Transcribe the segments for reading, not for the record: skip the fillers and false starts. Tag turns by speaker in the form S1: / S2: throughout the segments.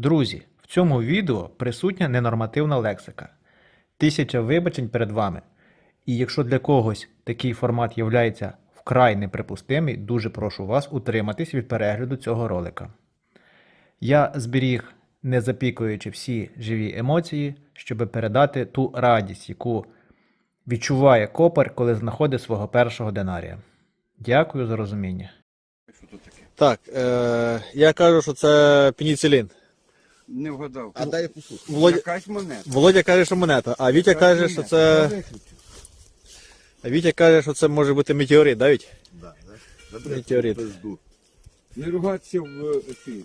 S1: Друзі, в цьому відео присутня ненормативна лексика. 1000 вибачень перед вами. І якщо для когось такий формат являється вкрай неприпустимий, дуже прошу вас утриматись від перегляду цього ролика. Я зберіг, не запікуючи всі живі емоції, щоб передати ту радість, яку відчуває копар, коли знаходить свого першого динарія. Дякую за розуміння.
S2: Так, я кажу, що це пеніцилін.
S3: Не вгадав.
S4: А дай я послухаю.
S2: Володя,
S3: Якась монета.
S2: Володя каже, що монета, а Вітя каже, що це. А Вітя каже, що це може бути метеорит, да, Вітя?
S4: Да, да.
S2: Метеорит.
S4: Пизду.
S3: Не ругатися в ефірі.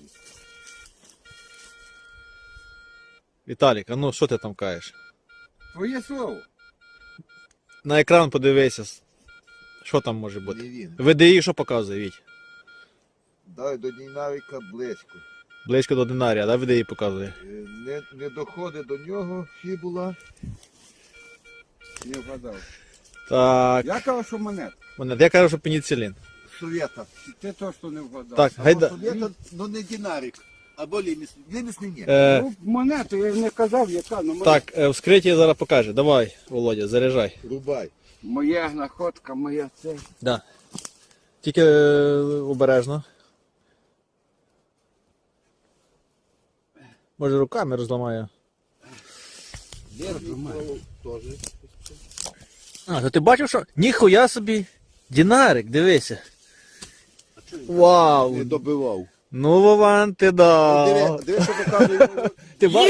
S2: Віталік, а ну що ти там кажеш?
S3: Твоє слово.
S2: На екран подивися. Що там може
S4: Не
S2: бути?
S4: він.
S2: ВДІ що показує, Віть?
S4: Дай до динаміка близько.
S2: Близько до динарія, да, ВДІ показує?
S4: Не доходить до нього фібула.
S3: Не вгадав.
S2: Так,
S3: Я кажу, що монета.
S2: монета. Я кажу, що пеніцилін.
S4: Совєта.
S3: Ти точно не вгадав.
S2: Так, гайда.
S4: Совєта, ну не динарик. Або ліміс. Ліміс не ні.
S3: Ну, монета, я не казав, яка, ну монета.
S2: Так, вскриття зараз покаже. Давай, Володя, заряджай.
S4: Рубай.
S3: Моя знаходка, моя це.
S2: Да. Тільки обережно. Може руками розламаю.
S4: Теж.
S2: А, то ти бачив, що? Ніхуя собі. Динарик, дивися. Вау!
S4: Не добивав.
S2: Ну, Вован, ти дав.
S4: Диви, що показує.
S2: Ти бачиш?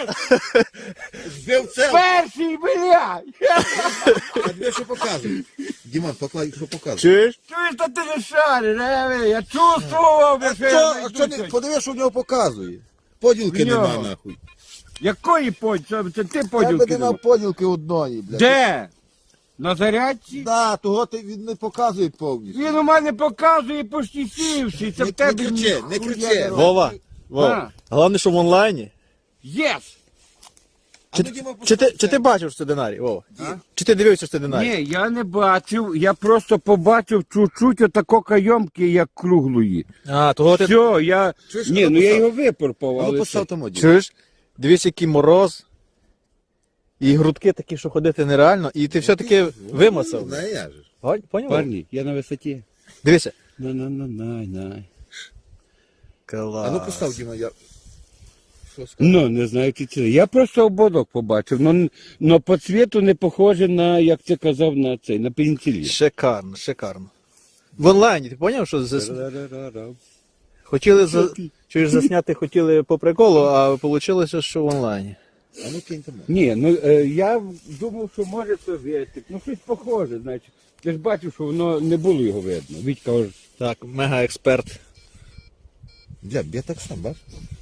S4: Збив це.
S3: Перший, блядь!
S4: А диви, що показує. Діман, поклай, що показує.
S2: Чуєш?
S3: Чуєш, та ти не шариш, я чувствував, що я
S4: Що не, подиви, що в нього показує. Поділки
S3: В нього.
S4: нема, нахуй.
S3: Якої поділки? Це ти
S4: Я би
S3: поділки
S4: не
S3: давав.
S4: мав поділки одної, блядь.
S3: Де? На зарядці?
S4: Да, того він не показує повністю.
S3: Він у мене показує почти сівший. Це
S4: Не
S3: в тебе
S4: кричи, не
S3: ніхуя
S4: кричи.
S3: не
S2: Вова,
S3: робить.
S2: Вова.
S3: А.
S2: Головне, що в онлайні.
S3: Єс!
S4: А ну, Діма,
S2: Чи ти бачив, що це динарій, Вова?
S3: А?
S2: Чи ти дивився, що це динарій?
S3: Ні, я не бачив, я просто побачив чуть-чуть отако кайомки, як круглої.
S2: А, того ти...
S3: Все, я...
S4: Чуєш,
S3: Ні,
S4: а ну
S3: ну я
S4: постав.
S3: його випорпав,
S4: А ну
S3: але
S4: постав
S3: це-
S4: там один.
S2: Чуєш? Дивись, який мороз. І грудки такі, що ходити нереально. І ти все-таки вимасав.
S4: Не, я же.
S2: Поняв?
S3: Парні, я на висоті.
S2: Дивися.
S3: На.
S2: Клас.
S4: А ну постав, Діма, я... Що сказав?
S3: Ну, не знаю, чи це. Я просто ободок побачив, но по цвіту не похоже на, як ти казав, на цей, на пеніцилін.
S2: Шикарно, шикарно. В онлайні, ти поняв, що хотіли чуєш, засняти хотіли по приколу, а вийшло, що в онлайні.
S4: А ну кинь там.
S3: Ні, ну я думав, що може совєтик, ну щось похоже, значить. Ти ж бачив, що воно не було його видно. Вітька ось.
S2: Так, мега-експерт.
S4: Бля, я так сам, бач?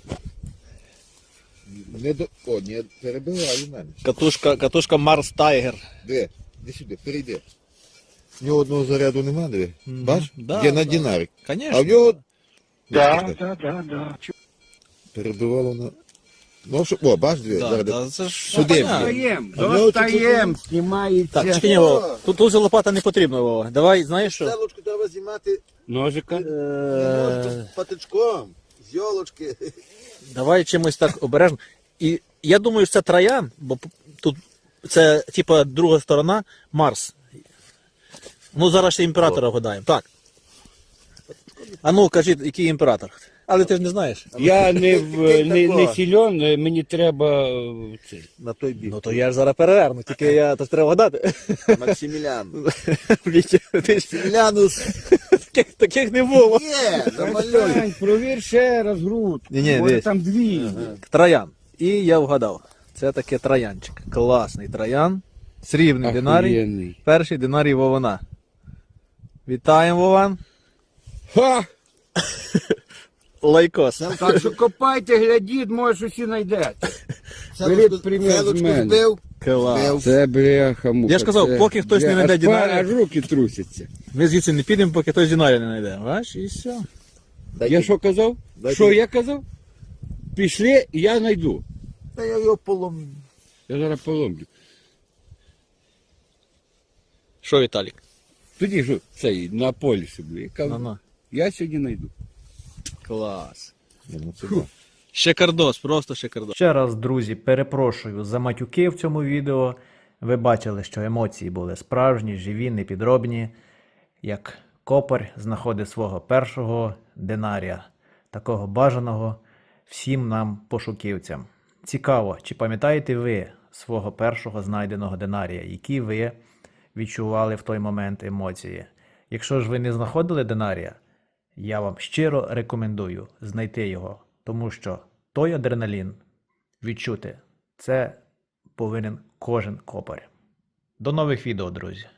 S4: Не до... О, не перебивай у мене.
S2: Катушка Марс Тайгер.
S4: Диви, іди сюди, перейди. В нього одного заряду нема, диви. Бач?
S2: Да,
S4: Є на
S2: да.
S4: динарик.
S2: Конечно.
S4: А в нього...
S3: Да.
S4: Перебивало на... Ну, що... О, бач, диви,
S2: Да,
S4: зараз.
S2: да, це ж
S4: Сюди,
S2: понятно.
S3: Достаєм,
S4: А в нього
S3: достаєм, знімається.
S2: Так, чекай, ні, Вова. Тут же лопата не потрібна, Вова. Давай, знаєш що?
S4: Селочку треба знімати
S3: Ножика.
S4: патичком, з йолочки.
S2: Давай чимось так обережно. І я думаю, що це троян, бо тут це типа друга сторона Марс. Ну, зараз ще імператора вгадаємо. Так. А ну, кажіть, який імператор? Але ти ж не знаєш.
S3: Я не, не
S4: такого.
S3: сильон, мені треба цей.
S4: На той бік.
S2: Ну то я ж зараз переверну, тільки я то ж треба вгадати.
S4: Максимілян.
S2: Вітя, ти ж
S4: Максимілянус.
S2: таких не було.
S4: Є, замалюй.
S3: Стань, провір ще раз груд.
S2: Ні-ні,
S3: Може
S2: дивись.
S3: там дві.
S2: Троян. І я вгадав. Це таке троянчик. Класний троян. Срібний динарій.
S3: Охуєнний.
S2: Перший динарій Вована. Вітаємо, Вован.
S3: Ха!
S2: Лайкос.
S3: Так що копайте, глядіть, може щось і знайдете. Беріть примір з
S4: Селочку
S3: мене.
S4: збив.
S2: Клас.
S3: Це бляха муха.
S2: Я ж казав,
S3: це-
S2: поки хтось не знайде
S3: аж
S2: динарія.
S3: Аж руки трусяться.
S2: Ми звідси не підемо, поки хтось динарія не знайде. Бачиш, і все.
S3: Я що казав?
S4: Дайте.
S3: Що я казав? Пішли, я знайду.
S4: Та я його поломлю.
S3: Я зараз поломлю.
S2: Що, Віталік?
S3: Тоді ж цей на полісі, бля. Я кажу,
S2: Ну-ну.
S3: я сьогодні знайду.
S2: Клас.
S4: Ні, ну це
S3: Фу.
S4: да.
S2: Шикардос, просто шикардос.
S1: Ще раз, друзі, перепрошую за матюки в цьому відео. Ви бачили, що емоції були справжні, живі, не підробні. Як копар знаходить свого першого динарія, такого бажаного всім нам пошуківцям. Цікаво, чи пам'ятаєте ви свого першого знайденого динарія, які ви відчували в той момент емоції? Якщо ж ви не знаходили динарія, я вам щиро рекомендую знайти його, тому що той адреналін відчути, це повинен кожен копар. До нових відео, друзі!